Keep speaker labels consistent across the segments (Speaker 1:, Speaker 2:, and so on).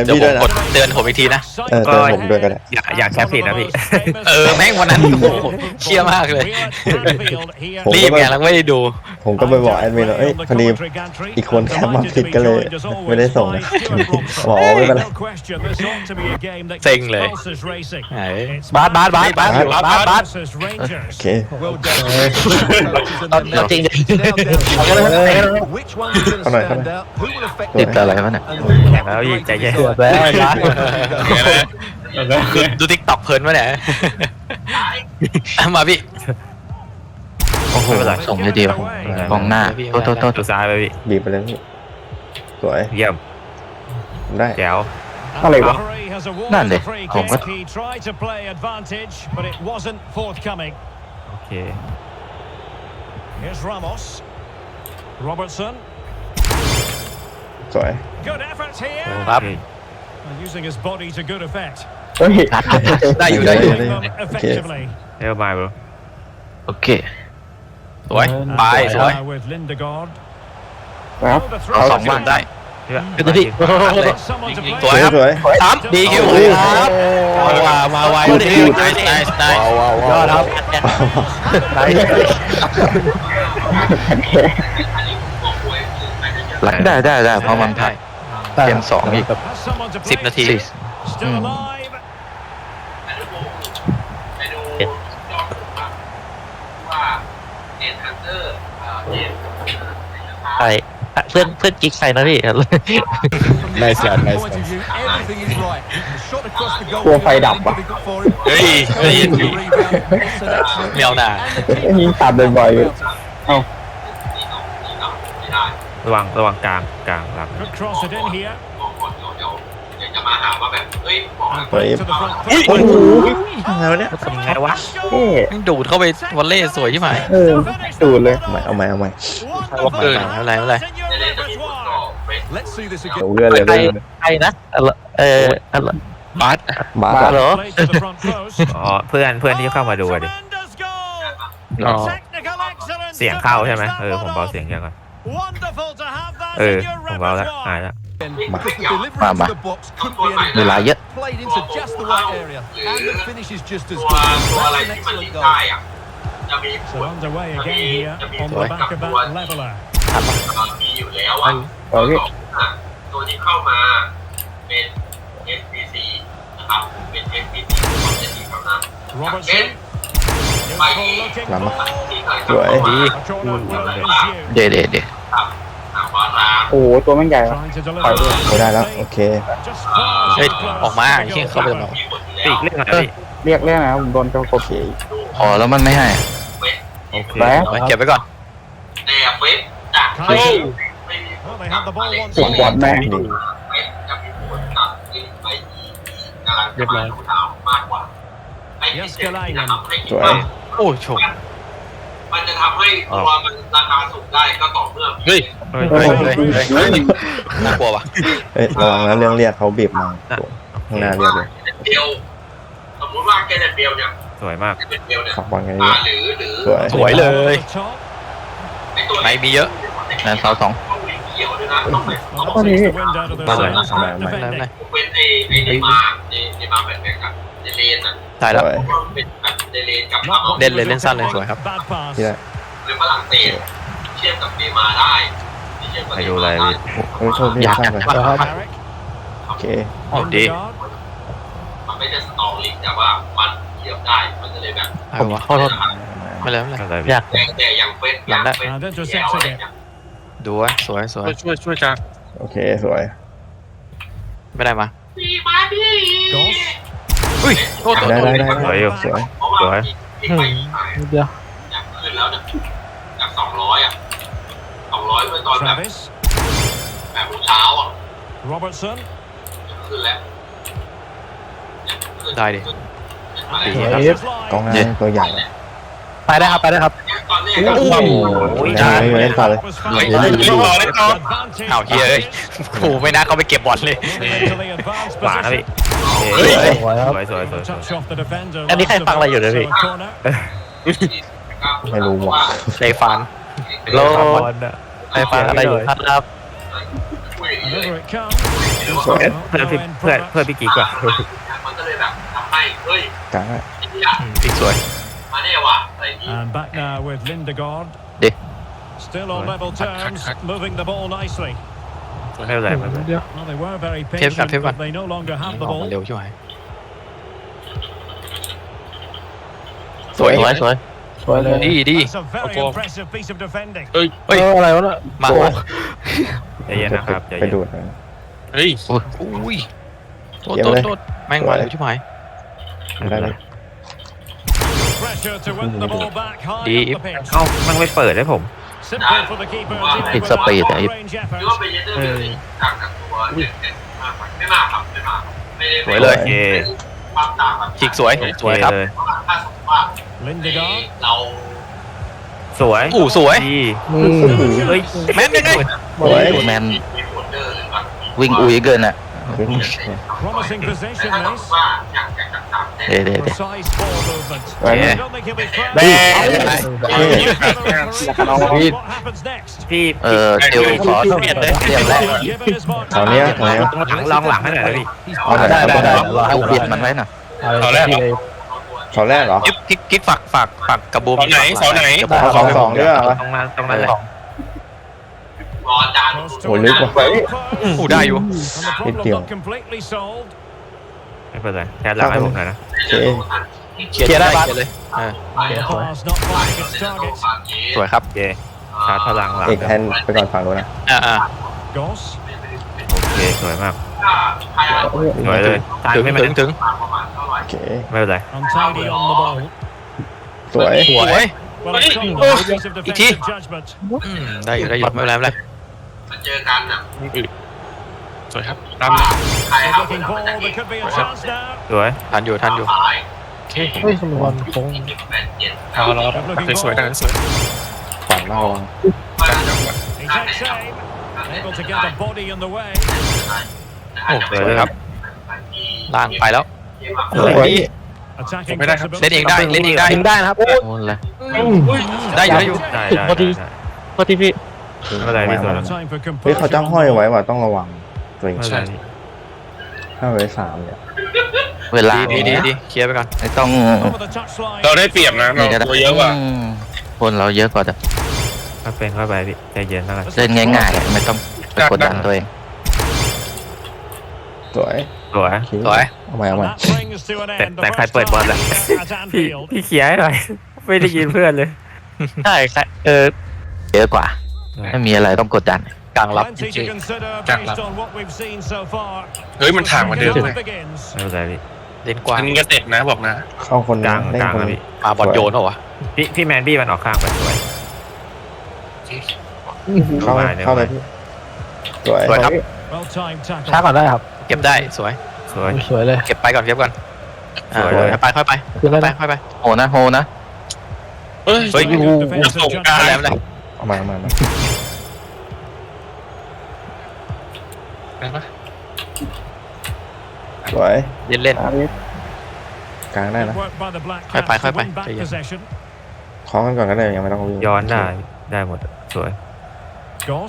Speaker 1: เดี๋ยวผมกดเตือนผมอีกทีนะ
Speaker 2: เตือนผมด้วยก็ได้
Speaker 3: อยากแชร์ผิดนะพี่
Speaker 1: แม่งวันนั้นโอ้โหเชี่ยมากเลยรีบไงแล้วไม่ได้ดู
Speaker 2: ผมก็ไปบอกแอดมินว่าพอดีอีกคนแคปมาผิดก็เลยไม่ได้ส่งบอกไม่เป็นไร
Speaker 1: เซ็งเลยบาส
Speaker 2: โอเค
Speaker 3: จริง
Speaker 2: เขาหน่อย
Speaker 3: ติดอะไรวะเนี่ยแล้วยิงใจเย็น
Speaker 1: ดูติ๊กต็อกเพลินวะเนี่ยมาพี่
Speaker 3: โอ้โหส่งเลยดีว่ะกองหน้าโทษตัวซ้ายไปพี่
Speaker 2: บีบไปเลยพี่สวย
Speaker 3: เยี่ยม
Speaker 2: ได้
Speaker 3: แจ๋ว
Speaker 2: อะไรวะ
Speaker 3: นั่นเลยผมก็โอเค
Speaker 2: สวย
Speaker 1: ครับได้อยู่
Speaker 2: โอเค
Speaker 3: เร็วไปบโอเค
Speaker 1: สวยไปสวย
Speaker 2: ครับ
Speaker 1: เอาสองบ้านได้
Speaker 3: คือตัวที่
Speaker 1: สวยครับสามดีคิวครับมาไวดีได้
Speaker 3: ยอดครับได้เพราะมันถ่ายเกม2อีก
Speaker 1: 10 นาที
Speaker 3: ใครเพื่อนกิ๊กใครนะพี่
Speaker 2: ได้เสียตัวไฟดับวะ
Speaker 1: เฮ้ยเมียวหนา
Speaker 2: ยิงตัดบ่อยๆเอ้า
Speaker 3: ระวังกลางรับ
Speaker 4: จะมาหาว่าแบบเฮ้ย
Speaker 2: โอ้โหไงวะเนี่ย
Speaker 3: ทำไงวะ
Speaker 1: ดูดเข้าไปวอลเล่สวยใช่ไหม
Speaker 2: ดูดเลยเอาใหม่
Speaker 1: วอลเกอร์อะไร
Speaker 2: เลื่อนเลย
Speaker 3: ใครนะบาสเหรอเพื่อนที่เข้ามาดูดิเสียงเข้าใช่ไหมผมเบาเสียงยังก่อนผมเบาแล้วหายแล้วมาเวลาเยอะ
Speaker 4: ตัวอะไรที่มันลิงได้อ่ะจะมีผลกับตัวมีอยู่แล้วอ่ะตัวที่เข้ามาเป็น FPC นะครับเป็น FPC ของจะดีเท่านั้นเป็นไป
Speaker 2: สวย
Speaker 3: ดีเด็ด
Speaker 2: โอ้ตัวมันใหญ่ไปไม่ได้แล้วโอเค
Speaker 1: เฮ้ยออกมาที่เขาไปตรงไหน
Speaker 3: ปีกเรียก
Speaker 2: นะผมโดนกระโดด
Speaker 3: แล้วมันไม่ให้
Speaker 2: แล้ว
Speaker 1: เก็บไว้ก่อน
Speaker 4: แต่เว็บจะไม่
Speaker 2: สวนบอลแม่งดี
Speaker 4: จะมีผลกับไปกำลังจะมาดูดาวมากกว่าไอ้ที่
Speaker 2: สวย
Speaker 1: โอ้ชม
Speaker 4: มันจะทำให้ตัวมันราคาสูงได้ก็ต่อเมื่อ
Speaker 1: เฮ้ยน่ากลัวว่ะ
Speaker 2: ระวังนะเรื่องเรียกเขาบีบมาข้างหน้าเรียกเลย
Speaker 4: เบลสมมติว่าแกเนเบลเนี่ย
Speaker 3: สวยมาก
Speaker 4: เป็นเบลเนี่ย
Speaker 2: ขับวางไง
Speaker 1: สวยเลยไม่มีเยอะ
Speaker 3: นั่นเสา2
Speaker 2: ตอนนี้
Speaker 1: มาเลย
Speaker 4: เป็นไอ้ในมาแบบแบบกับในเลนอ่ะ
Speaker 1: ตายแล้ว
Speaker 4: เป็นแบบในเลนกับ
Speaker 1: เล่นสั้นเลยสวยครับ
Speaker 2: ที่ไหน
Speaker 4: หรือฝรั่งเศสเชื่อมกับเนมาได้
Speaker 3: ไปดูอะไร
Speaker 2: โชคดีมากเลยโอเค
Speaker 1: ดี
Speaker 4: มันไม่ได้สตอรี่แต่ว่ามันเทียบได้มันจะเลยแบบ
Speaker 1: ผมว่าไม่เลย
Speaker 3: อยาก
Speaker 4: แต่อย่างเฟสอย่างเฟส
Speaker 1: ดูไว้สวย
Speaker 3: ช่วยจ้า
Speaker 2: โอเคสวย
Speaker 1: ไม่ได้มา
Speaker 4: มาดิ
Speaker 1: อุ้ย
Speaker 2: ได้
Speaker 3: สวย
Speaker 2: สวย
Speaker 3: เดี๋ยว
Speaker 4: อยากขึ้นแล้วจาก200อ่ะ200เมื่อตอนแบบเช้าอ่ะขึ้นแล้ว
Speaker 1: ได้ดิ
Speaker 2: กองงานตัวใหญ่
Speaker 3: ไปได้ครับ
Speaker 2: โอ้โหเล่นต่อเลย
Speaker 1: เอาเฮียโอ้ไม่น่าเขาไปเก็บบอลเลย
Speaker 3: หวานนะพี่สวยอันนี้ใครฟังอะไรอยู่นะพี่
Speaker 2: ไม่รู้ว่ะ
Speaker 1: ไดฟัน
Speaker 3: โลไดฟันอะไรอยู่ครับ
Speaker 2: สวย
Speaker 3: เพื่อนพี่กิ๊กว่ะ
Speaker 4: มันก็เลยแบบทำให้เฮ้ย
Speaker 2: กลาง
Speaker 1: อีกสวย
Speaker 4: มาเนี่ยว่ะอะไรนี้
Speaker 5: And back now with Lindegaard.
Speaker 3: Đi.
Speaker 5: Still on level terms, moving the ball nicely.
Speaker 3: ไม่เป็นไรไม่เป็นไร
Speaker 5: Well, they were very
Speaker 1: Thêm
Speaker 5: patient,
Speaker 1: vào.
Speaker 5: but they no longer have the
Speaker 1: ออกมา
Speaker 5: ball.
Speaker 1: เร็วใช่ไหม
Speaker 3: สวยสวย
Speaker 1: ดีดี
Speaker 5: That's a very impressive piece of defending.
Speaker 1: เฮ้ยอะไรวะน่ะมา
Speaker 3: ใจเย็นนะครับใจ
Speaker 2: ไป
Speaker 3: เย็น
Speaker 2: ดูด
Speaker 1: เฮ้ยอุ้ยโทษแม่งมาเร็วใช่ไหม
Speaker 2: ได้เลย
Speaker 5: Pressure to win the ball back high
Speaker 1: Đi.
Speaker 5: up the pitch.
Speaker 3: เอ้ามันไม่เปิดให้ผม
Speaker 5: Simple for the keeper.
Speaker 3: Ít speed đấy.
Speaker 5: Range
Speaker 4: ห
Speaker 5: effort.
Speaker 4: รือว่าเป็นเยเดอร์เลยต่างจากตัวเด็กๆมากกว่าไม่มากครับไม่มากไม่ได้
Speaker 1: สวยเลย
Speaker 3: โอเค
Speaker 4: ความต่างแบบ
Speaker 1: ฉีกสวยสวยครับ
Speaker 3: เลย
Speaker 4: ถ้าสมมติว่า
Speaker 5: Lindegaard.
Speaker 4: เรา
Speaker 3: สวย
Speaker 1: สวย
Speaker 3: ดี
Speaker 1: เฮ้ยแม่นยังไง
Speaker 2: สวย
Speaker 6: แมน
Speaker 4: มีโมเดอร์หรือแบบ
Speaker 6: วิ่งอุ้ยเกินอ่ะ
Speaker 5: Promising
Speaker 4: แต่
Speaker 5: possession
Speaker 4: ถ้าสมม
Speaker 5: this.
Speaker 4: ติว่าอย่างต่างๆเนี่ย
Speaker 6: เดี๋ยว
Speaker 5: Precise ball movement.
Speaker 2: Right.
Speaker 5: I don't think he'll be fouled.
Speaker 1: แม่
Speaker 5: What happens next?
Speaker 3: พี่
Speaker 6: เเทลขอเตรียมแล้ว
Speaker 5: Given his mark.
Speaker 2: เอาเนี้ยเอาเนี้ย
Speaker 3: ต้องถังลองหลังให้หน่อยนะพี่
Speaker 2: เอาไหนเอาตรงไหน
Speaker 6: เอาเบียดมันไว้น่ะ
Speaker 1: เสาแรก
Speaker 2: เสาแรกเหรอ
Speaker 1: กิ๊กฝากกระบูมเสาไหน
Speaker 2: เอา2ด้วยเหรอ
Speaker 3: ตรงนั้นเลย
Speaker 4: รอจาน
Speaker 2: โอ้ลึกว่ะ
Speaker 1: ได้อยู่
Speaker 5: And the problem not completely solved.
Speaker 3: ไม่เป็นไรแค่หลังให้ผมหน่อยนะ
Speaker 2: โอเค
Speaker 1: เคลียร์ได้เลย
Speaker 5: The pass not finding its target.
Speaker 1: สวยครับ
Speaker 3: โอเคชาร์จพลังหลัง
Speaker 2: เอกแฮนด์ไปก่อนฝั่งนู้นนะ
Speaker 5: Goss.
Speaker 3: โอเคสวยมาก
Speaker 4: ใครเอา
Speaker 3: สวยเลยตาย
Speaker 1: ถึง
Speaker 3: ไม่มา
Speaker 1: ถึง
Speaker 4: ประมาณเท่าไหร่
Speaker 2: โอเค
Speaker 3: ไม่เป็นไร
Speaker 5: Untidy on the ball.
Speaker 2: สวย
Speaker 1: สวย
Speaker 5: Well, it's not
Speaker 1: Oh,
Speaker 5: a piece of
Speaker 1: Iti.
Speaker 5: defensive judgment.
Speaker 1: ได้อยู่ไม่เป็นไรไม่เป็นไร
Speaker 4: มาเจอกันน่ะ
Speaker 1: สวยครับ
Speaker 4: ใคร
Speaker 5: Good
Speaker 4: เอา
Speaker 5: looking ball. There could be a chance now.
Speaker 3: สวย
Speaker 1: ทันอยู่
Speaker 4: สาย
Speaker 1: โอเค
Speaker 5: Good looking ball.
Speaker 1: สวยดังนั้นสวย
Speaker 2: ฝั่งนอกระวัง
Speaker 5: He takes aim. Able to get a body in the way.
Speaker 1: โอ้สวยเลยครับล่างไปแล้ว
Speaker 2: สวย
Speaker 5: Attacking
Speaker 1: ไม่ได้ครับ
Speaker 5: possibility.
Speaker 1: เล่นเองได้เล่นเองได้
Speaker 6: ได้นะครับโอ้เลย
Speaker 1: ได้อยู่
Speaker 3: ได้
Speaker 6: พอดี พอดีพี่
Speaker 3: ไม่เป็นไรพี่สวย
Speaker 5: No time for
Speaker 2: เฮ้ยเขา
Speaker 5: composure.
Speaker 2: จ้างห้อยไว้ว่ะต้องระวังตัวเอง
Speaker 3: ไม่เป็นไรพี่
Speaker 2: 5 ไว้ 3เนี่ย
Speaker 6: เวลา
Speaker 1: ดีเคลียร์ไปก่อน
Speaker 6: ไม่ต้อง
Speaker 5: Over the touchline.
Speaker 7: เราได้เปรียบนะเรา
Speaker 6: นี่ก็ได้
Speaker 7: ตัวเยอะกว่า
Speaker 6: คนเราเยอะกว่าแต่
Speaker 3: ถ้าเป็นเข้าไปพี่ใจเย็นแล้วกัน
Speaker 6: เล่นง่ายๆไม่ต้องไปกดดันตัวเอง
Speaker 2: สวย
Speaker 3: สวย
Speaker 2: โอเค
Speaker 1: สวย
Speaker 2: เอาใหม่เอาใหม่
Speaker 5: That brings to an end the
Speaker 3: แต่ใคร
Speaker 5: first
Speaker 3: เปิดบอล
Speaker 5: time
Speaker 3: ล่ะ
Speaker 5: at
Speaker 3: พี่
Speaker 5: Anfield.
Speaker 3: พี่เขียร์ให้หน่อย ไม่ได้ยินเพื่อนเลย
Speaker 6: ใช่ครับเยอะกว่า ไม่มีอะไรต้องกดดัน
Speaker 1: กลางรับจ
Speaker 5: Plenty
Speaker 1: ริ
Speaker 5: to
Speaker 1: ง
Speaker 5: consider
Speaker 7: Jack
Speaker 5: based on what we've seen so far.
Speaker 7: เฮ้ยมันถ่างกว่าเดิม
Speaker 5: Now
Speaker 7: เลย
Speaker 5: it begins.
Speaker 3: ไม่เป็นไรพี่
Speaker 1: เล่นกว้าง
Speaker 7: มึงก็เตะนะบอกนะ
Speaker 2: เข้าคน
Speaker 3: กลาง
Speaker 2: เล่น
Speaker 3: กลาง
Speaker 2: คน
Speaker 3: อะพี่
Speaker 1: ปาบอลโยนเหรอวะ
Speaker 3: พี่แมนบี้มันออกข้างไปสวย
Speaker 2: เข้าเข้าเลยพี่สวย
Speaker 1: สวยครับ
Speaker 5: Well timed tackle.
Speaker 6: ช้าก่อนได้ครับ
Speaker 1: เก็บได้สวย
Speaker 3: สวย
Speaker 6: สวยเลย
Speaker 1: เก็บไปก่อนเก็บก่อน
Speaker 3: สวยเลย
Speaker 1: ไปค่อยไป
Speaker 6: คืออะไร
Speaker 1: ไป
Speaker 6: นะ
Speaker 1: ค่อยไป
Speaker 6: โหนะโหนะ
Speaker 7: เฮ้ย
Speaker 1: เฮ้ย
Speaker 5: Defensive
Speaker 7: ส่งกลาง
Speaker 5: judgment.
Speaker 1: แล้วเลย
Speaker 2: เอามาเอามาเอามา
Speaker 7: ได้ปะ
Speaker 2: สวย
Speaker 1: เล่นเล่น
Speaker 2: กลางได้
Speaker 5: Good
Speaker 2: นะ
Speaker 5: work by the Black
Speaker 1: Phải,
Speaker 5: Caps
Speaker 1: phải,
Speaker 5: to
Speaker 1: phải,
Speaker 5: win
Speaker 1: phải.
Speaker 5: back
Speaker 1: ใจเย็น
Speaker 5: possession.
Speaker 2: คล้องกันก่อนก็ได้ยังไม่ต้องวิ่ง
Speaker 3: ย้อนได้หมดสวย
Speaker 5: Goss.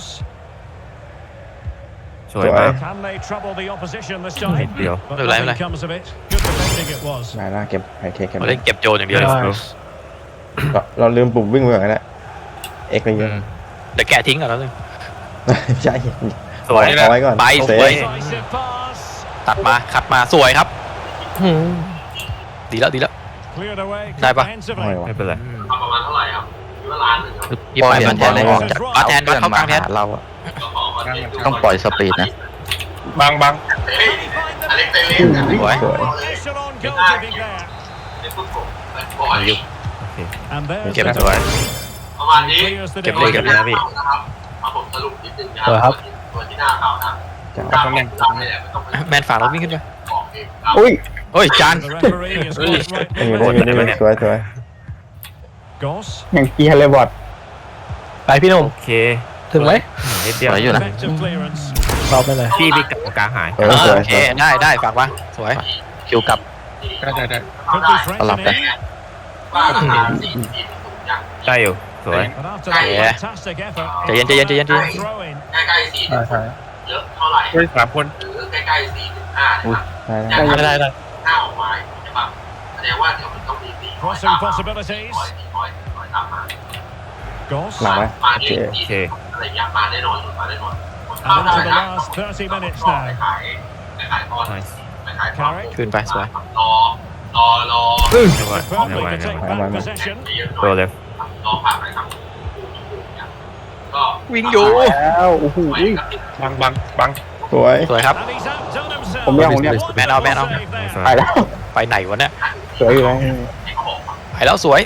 Speaker 3: สวยมาก
Speaker 5: Can they trouble the opposition this
Speaker 3: นิด
Speaker 5: time?
Speaker 3: เดียว
Speaker 5: But
Speaker 1: Được, lấy,
Speaker 5: nothing
Speaker 1: lấy.
Speaker 5: comes of it. Good defending it was.
Speaker 2: ได้นะเก็บไฮเทคเก็บ
Speaker 1: มาเล่นเก็บโจนอย่างเดียว
Speaker 2: เราลืมปุ่มวิ่งไปก่อนก็ได้เอ็กซ์ไปเยอะ
Speaker 1: เดี๋ยวแกะทิ้งก่อนแล้วนึง
Speaker 2: ใช่
Speaker 3: สวย
Speaker 2: เอาไว้ก่อน
Speaker 1: ไป
Speaker 2: เซ
Speaker 1: สวย
Speaker 2: ฟ
Speaker 5: Decisive pass.
Speaker 1: ตัดมาขัดมาสวยครับ ดีแล้ว
Speaker 5: Cleared away
Speaker 1: Đây, ba.
Speaker 2: ห้อย
Speaker 5: comprehensively.
Speaker 2: ว่ะ
Speaker 3: ไม่เป็นไร
Speaker 4: เอาประมาณเท่าไหร่ครับคิดว่าล้านหนึ่งครับ
Speaker 1: พี่ไปมันแทนเลย
Speaker 6: ออกจาก
Speaker 1: มาแทนมาเข้ากลางแทน
Speaker 6: เราอะ
Speaker 4: ก็ขอมาเท
Speaker 6: ต้องปล่อยสปีดนะ
Speaker 7: บาง
Speaker 5: Can he find
Speaker 4: อ
Speaker 5: the
Speaker 4: เล็กเตเล่น
Speaker 1: สวย
Speaker 2: สวย
Speaker 5: echelon goalkeeping there?
Speaker 4: เป็นฟุตบอลเป็นบอล
Speaker 3: โอเค
Speaker 5: And there's
Speaker 3: เก็บ
Speaker 5: the
Speaker 3: สวย
Speaker 4: ประมาณนี้
Speaker 5: clears the
Speaker 3: เก็บเลย
Speaker 5: defender.
Speaker 3: นะพี่
Speaker 4: นะครับเอาผมสรุปนิดนึงนะครับตัวที่หน้าเขานะ
Speaker 2: จ้า
Speaker 4: การป้องกันเนี่ยมันต้องเป็น
Speaker 1: แมนฝากเราวิ่งขึ้นไป
Speaker 4: บอกเองครับ
Speaker 6: อุ้ย
Speaker 1: โอ้ยจาน
Speaker 5: The referee is quite right.
Speaker 2: ได้อยู่ได้อยู่ได้อยู่สวยสวย
Speaker 5: Goss.
Speaker 6: อย่างเกียร์เลยบอดไปพี่หนุ่ม
Speaker 3: โอเค
Speaker 6: ถึงไหม
Speaker 3: นิดเดียว
Speaker 6: สวยอยู่นะ
Speaker 5: Effective clearance.
Speaker 6: เราไปเลย
Speaker 3: พี่กลางหาย
Speaker 2: สวย
Speaker 1: โอเคได้ฝากว่าสวย
Speaker 6: คิวกลับ
Speaker 7: ได้
Speaker 5: Could be
Speaker 6: สลับกัน
Speaker 5: threatening.
Speaker 4: ว่าราคา4 4 0อย่าง
Speaker 3: ได้อยู่สวย
Speaker 5: But after that
Speaker 1: Yeah.
Speaker 5: fantastic effort,
Speaker 1: ใจเย็น
Speaker 5: throw in.
Speaker 4: ใกล้ๆ4 0 เยอะเท่าไหร่
Speaker 7: เฮ้ย3 คน
Speaker 4: หรือใกล้ๆ4-5นะครับ
Speaker 2: ได้
Speaker 6: ได้
Speaker 4: 5ออกมาใช่ปะแสดงว่าเดี๋ยวมันต้องมี4
Speaker 5: Crossing possibilities.
Speaker 4: ตามมา
Speaker 5: Goss.
Speaker 2: หลังไหม
Speaker 4: มา
Speaker 2: โอเค
Speaker 4: ที่อะไรอย่างเงี้ยมาแน่นอนมาแน่นอน
Speaker 5: And into the last 30 minutes
Speaker 4: ไป
Speaker 5: now.
Speaker 4: ขายไปขายตอนไปขายตอน
Speaker 5: Carrick.
Speaker 3: ขึ้นไปสวย
Speaker 4: รอ
Speaker 5: Superbly to take back possession.
Speaker 1: ตัวเลย
Speaker 4: รอผ่านไปครับก็
Speaker 3: วิ่งอยู่
Speaker 8: แล้วโอ้โห
Speaker 7: บัง
Speaker 2: สวย
Speaker 3: สวยครับ
Speaker 5: And he's outdone himself.
Speaker 8: ผมยังผมยัง
Speaker 3: แมนเอา
Speaker 8: ไปแล้ว
Speaker 3: ไปไหนวะเนี่ย
Speaker 8: สวยอยู่แล้ว
Speaker 3: ไปแล้วสวย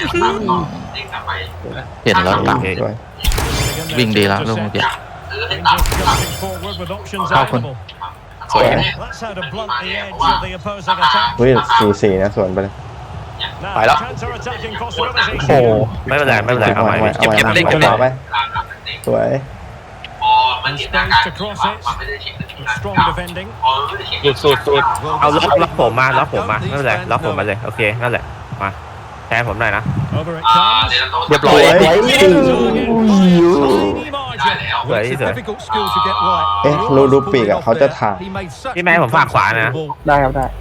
Speaker 6: เห็นแล้วตัง
Speaker 2: สวย
Speaker 6: วิ่งดีแล้วลูกเมื่อกี้
Speaker 5: Rangers jumping forward with options available.
Speaker 3: สวย
Speaker 5: That's how to blunt the edge of the opposing attack.
Speaker 2: เฮ้ย4-4นะสวนไปเลย
Speaker 5: Now,
Speaker 3: Phải đó.
Speaker 5: counter-attacking possibilities
Speaker 2: โอ้
Speaker 5: here.
Speaker 1: ไม่เป็นไรไม่เป็นไรเอาใหม่
Speaker 2: เอา
Speaker 1: พี่
Speaker 2: ไว้
Speaker 3: เก็บเล่น
Speaker 2: เอาไปสวย
Speaker 5: Strong defending.
Speaker 7: สุด
Speaker 1: เอาล็อกผมมาล็อกผมมาไม่เป็นไรล็อกผมมาเลยโอเคนั่นแหละมาแทนผมหน่อยนะ
Speaker 5: Over it comes.
Speaker 3: เรียบร้อย
Speaker 5: Tiny margin.
Speaker 1: สวยที่สุด
Speaker 9: Difficult skill to get right.
Speaker 2: เอ๊ะดูปีกอ่ะเขาจะถ่าย
Speaker 9: He made such
Speaker 1: พี่แม่ผมฝากขวานะ
Speaker 8: ได้ครับได้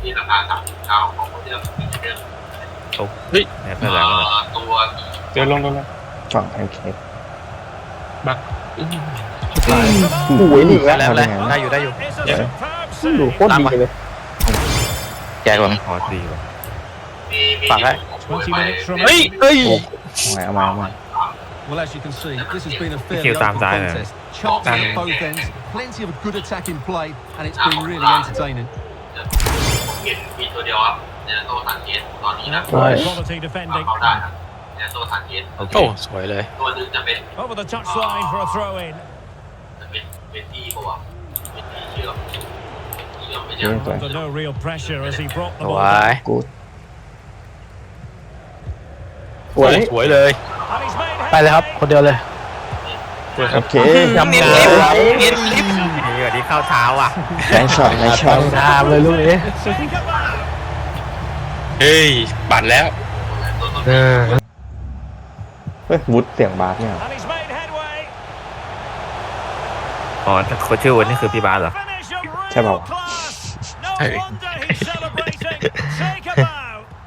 Speaker 1: ไม่เป็นไร
Speaker 7: เจอลง
Speaker 2: ฝั่งแพนเค้ก
Speaker 8: โอ้โหนี่แล้ว
Speaker 3: แล้วได้อยู่
Speaker 5: It's a superb
Speaker 8: ดู
Speaker 5: save.
Speaker 8: โคตรดีเลย
Speaker 6: แกก่อน
Speaker 1: พอดีว่ะ
Speaker 3: ฝากได้
Speaker 5: 20 minutes from
Speaker 3: เฮ้ย
Speaker 2: เอามา
Speaker 9: Well, as you can see, this has been a fairly
Speaker 1: Kill
Speaker 9: open
Speaker 1: time side,
Speaker 9: contest. Chances at both ends, plenty of good attacking play, and it's been really entertaining.
Speaker 4: เห็นมีตัวเดียวครับเนโตสันเกตตอนนี้นะ
Speaker 5: quality defending.
Speaker 4: เขาได้ครับเนโตสันเกต
Speaker 1: โอเค
Speaker 3: โอ้สวยเลย
Speaker 4: ตัวนึงจะเป็น
Speaker 5: Over the touchline for a throw in.
Speaker 4: เป็นที่ปะวะเป็นที่เชื่อมไป
Speaker 2: ส
Speaker 4: ยั
Speaker 2: ว
Speaker 4: ง
Speaker 2: ยสวย
Speaker 5: Under no real pressure as he brought the
Speaker 3: ส
Speaker 5: ball
Speaker 3: วย
Speaker 5: back.
Speaker 2: กู
Speaker 8: สวย
Speaker 3: สวยเลย
Speaker 5: And he's made
Speaker 6: ไปเลยครับ คนเดียวเลย
Speaker 2: โอเค
Speaker 3: ยำเนียนลิฟเนียนลิฟ
Speaker 1: นี่แบบนี้เข้าเท้าอ่ะ
Speaker 2: แรงช็อตแรงช็อต
Speaker 6: ตามเลยลูกนี้
Speaker 5: Think about
Speaker 7: เฮ้ยปั่นแล้ว
Speaker 2: เฮ้ยวุฒเสียงบาสเนี่ย
Speaker 5: and he's made headway.
Speaker 1: อ๋อคนชื่อวันนี้คือพี่บาสเหรอ
Speaker 5: Finish of
Speaker 2: Come
Speaker 5: real
Speaker 2: on.
Speaker 5: class. No
Speaker 7: Hey.
Speaker 5: wonder he's celebrating. Take a bow.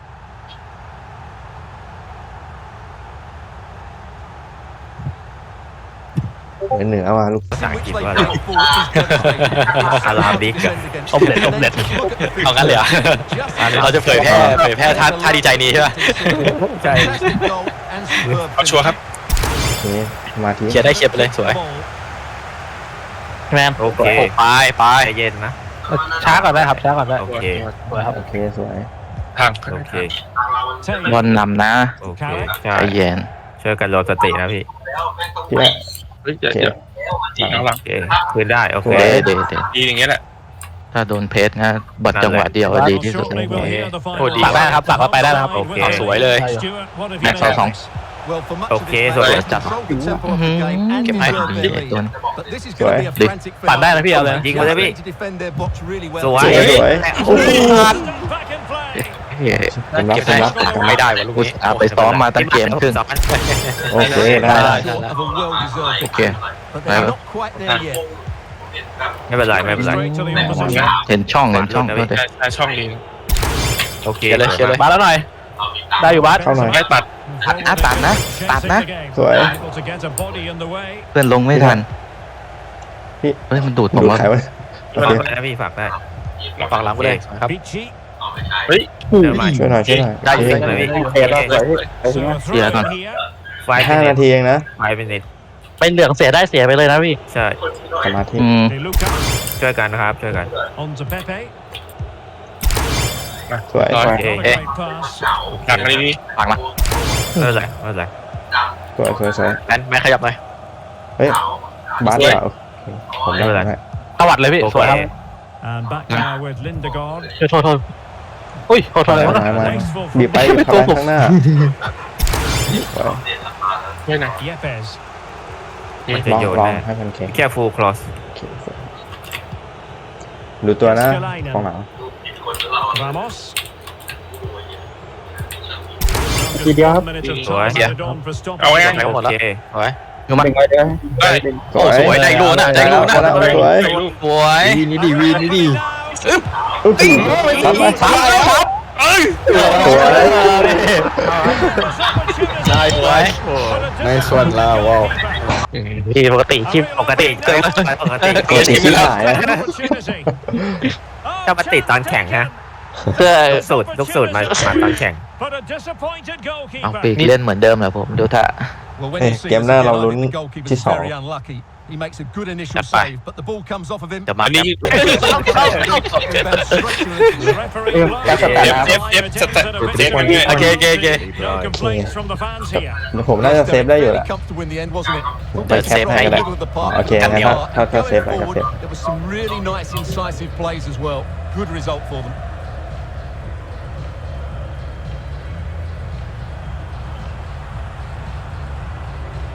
Speaker 2: เหนือมาลูก
Speaker 1: ภาษาอังกฤษ
Speaker 9: they
Speaker 1: ว่า
Speaker 9: played forward is devastating.
Speaker 1: อาราบิกอะ
Speaker 6: ออมเล็ต
Speaker 3: เอางั้นเลยเหรอเราจะเผยแพร่ท่าดีใจนี้ใช่ไหม
Speaker 1: ใช่
Speaker 9: Fantastic goal and superb
Speaker 7: เอาชัวร์ครับ
Speaker 2: โอเคมาที
Speaker 3: เคลียร์ได้เคลียร์ไปเลยสวย
Speaker 9: ball.
Speaker 6: แมน
Speaker 1: โอเค
Speaker 3: ไป
Speaker 1: ใจเย็นนะ
Speaker 6: ช้าก่อนได้ครับช้าก่อนได้
Speaker 1: โอเค
Speaker 6: สวยครับ
Speaker 2: โอเคสวย
Speaker 7: ทาง
Speaker 1: โอเค
Speaker 6: บอลนำนะ
Speaker 1: โอเคใช่
Speaker 6: ใจเย็น
Speaker 1: ช่วยกันรวมสตินะพี่
Speaker 2: พี่ว่า
Speaker 7: เฮ้ย
Speaker 2: โอเค
Speaker 7: หลัง
Speaker 1: โอเคคืนได้โอเค
Speaker 6: เดี๋ยว
Speaker 7: ดีอย่างเงี้ยแหละ
Speaker 6: ถ้าโดนเพชรนะบัดจังหวะเดียวดีที่สุด
Speaker 5: Shortly we'll hear the
Speaker 3: โอ้
Speaker 5: final
Speaker 3: ดี
Speaker 6: ฝากได้นะครับฝากไว้ไปได้นะครับ
Speaker 1: โอเค
Speaker 3: สวยเลย
Speaker 5: Stuart, what have you
Speaker 6: แม็กซ์เอาสอง
Speaker 5: noticed?
Speaker 9: Well, for much of
Speaker 1: Okay,
Speaker 9: this
Speaker 1: so
Speaker 9: match,
Speaker 1: let's
Speaker 9: they controlled the tempo of the game and
Speaker 3: Get
Speaker 9: deserved
Speaker 3: back.
Speaker 9: their lead.
Speaker 6: Don't-
Speaker 9: But this is going to be a
Speaker 2: Sorry.
Speaker 9: frantic
Speaker 6: ปั่นได้นะพี่เอาเลย
Speaker 1: ยิงมาเลยพี่
Speaker 9: to defend their box really well.
Speaker 1: สวย
Speaker 2: สวย โอ้โห
Speaker 5: Back in play.
Speaker 6: เฮ้ย
Speaker 2: ผมรับ
Speaker 3: เก็บ
Speaker 2: ผม
Speaker 3: ได้
Speaker 2: รับ
Speaker 3: ไม่ได้วะลูก
Speaker 6: กู
Speaker 3: นี้
Speaker 6: เอาไปซ้อมมาตั้งเกมครึ่ง
Speaker 2: โอเคได้
Speaker 9: Short of a well-deserved
Speaker 6: โอเค
Speaker 9: but they're not quite there yet.
Speaker 1: ไม่เป็นไรไม่เป็นไร
Speaker 5: Straight to the opposition.
Speaker 6: เห็นช่องก็ได้
Speaker 7: ใช่ช่องดี
Speaker 1: โอเค
Speaker 3: เคลียร์เลยเคลียร์เลย
Speaker 6: บาสแล้วหน่อย ได้อยู่บาส
Speaker 2: เข้าหน่อย
Speaker 7: ไม่ตัด
Speaker 6: ตัดนะตัดนะ
Speaker 2: สวย
Speaker 5: Able to get a body in the way.
Speaker 6: เพื่อนลงไม่ทัน
Speaker 2: พี่
Speaker 6: เฮ้ยมันดูดผม
Speaker 2: ดู
Speaker 6: ว่า
Speaker 2: ใครวะโอ
Speaker 1: ฝาก
Speaker 2: เค
Speaker 1: ได้นะพี่ฝากได้
Speaker 3: ฝั่งหลังไปเลยครับ
Speaker 5: Pichi.
Speaker 7: เฮ้ย
Speaker 1: เดี๋ยวใหม่
Speaker 2: ช่วยหน่อยช่วยหน่อย
Speaker 3: ได้อยู่
Speaker 2: โอเค
Speaker 1: เลยพี่
Speaker 8: โอเคแล้วสวยพี่
Speaker 5: So a throw
Speaker 6: Yeah,
Speaker 5: in
Speaker 6: no.
Speaker 5: here.
Speaker 1: ไฟ
Speaker 2: 5 นาทีเองนะ
Speaker 1: ไฟเป็นนิด
Speaker 6: ไปเหลืองเสียได้เสียไปเลยนะพี่
Speaker 1: ใช่
Speaker 2: สมาธิ
Speaker 5: De Luca
Speaker 1: ช่วยกันนะครับช่วยกัน
Speaker 5: on to Pepe.
Speaker 2: สวย
Speaker 7: ต่อ
Speaker 5: Not a
Speaker 1: Okay.
Speaker 5: great pass.
Speaker 7: ตัดมาดี
Speaker 6: ฝั่งละ
Speaker 1: ไม่เป็นไรไม่เป็นไร
Speaker 2: สวยสวยสวย
Speaker 3: แมนขยับหน่อย
Speaker 2: เฮ้ยบาสเหรอโอเคผมได้ผมได้
Speaker 6: ตวัดเลยพี่
Speaker 1: โอ
Speaker 6: สวยครับ
Speaker 1: เค
Speaker 5: And back now with Lindegaard.
Speaker 6: โทษอุ้ยโทษอะไรวะ
Speaker 2: มาบีบไปเข้าไปข้างหน้าสวย
Speaker 7: ๆไม่นะ
Speaker 5: Yepes.
Speaker 1: มันจะ
Speaker 2: ลอง
Speaker 1: โยน
Speaker 2: ลอง
Speaker 1: แน่
Speaker 2: ให้มันแข็ง
Speaker 1: แค่ฟูลคลอส
Speaker 2: โอเคสวยดูตัวนะกองหลัง
Speaker 5: Ramos.
Speaker 8: ทีเดียวครับ
Speaker 5: Minute of
Speaker 1: Sorry.
Speaker 5: time added on for
Speaker 7: เอาไว้
Speaker 5: stoppage.
Speaker 3: ไปหมด
Speaker 1: โอ
Speaker 3: แล้ว
Speaker 1: เค
Speaker 3: เอาไว้
Speaker 6: อยู่มา
Speaker 8: ดึงไว้เด้อ
Speaker 1: โอ้สวยได้ลูกนะได้ลูกนะ
Speaker 2: สวย
Speaker 1: สวย
Speaker 6: วีนี่ดีวีนี่ดี
Speaker 2: อุ๊ยปั๊บไป
Speaker 1: ปั๊บปั๊บเอ้ย
Speaker 2: สวย
Speaker 1: ได้สวย
Speaker 2: ในส่วนเราว้าว
Speaker 3: ที่ปกติชิปปกติเกิดปกติ
Speaker 2: ปกติที่หายนะ
Speaker 3: จะมาติดตอนแข่งฮะ
Speaker 6: เพื่อ
Speaker 3: ลูกสูตรมาตอนแข่ง
Speaker 6: เอาปีกเล่นเหมือนเดิมแหละผมดูท่า
Speaker 9: Well, when
Speaker 2: เอ้ย
Speaker 9: you see
Speaker 2: เกมหน้า
Speaker 9: this,
Speaker 2: เรา
Speaker 9: I
Speaker 2: ลุ้น
Speaker 9: think the goalkeeper's
Speaker 2: ที่สอง
Speaker 9: very unlucky. He makes a good initial
Speaker 1: That's fine.
Speaker 9: save, but the ball comes off of him.
Speaker 1: จะมา
Speaker 7: อันนี้
Speaker 9: Inbound straight to the
Speaker 8: การสแตนครับ
Speaker 1: โอเคโอเคโอเค
Speaker 5: No complaints from the fans here.
Speaker 2: ผมน่าจะเซฟได้อยู่แห
Speaker 9: very
Speaker 2: ละ
Speaker 9: comfortable in the end, wasn't it?
Speaker 2: ไปแคปให้ก็ได้
Speaker 9: Middle of the park.
Speaker 2: โอเคงั้นถ้าเซฟไปก็
Speaker 9: Forward,
Speaker 2: เซฟ
Speaker 9: there were some really nice incisive plays as well. Good result for them.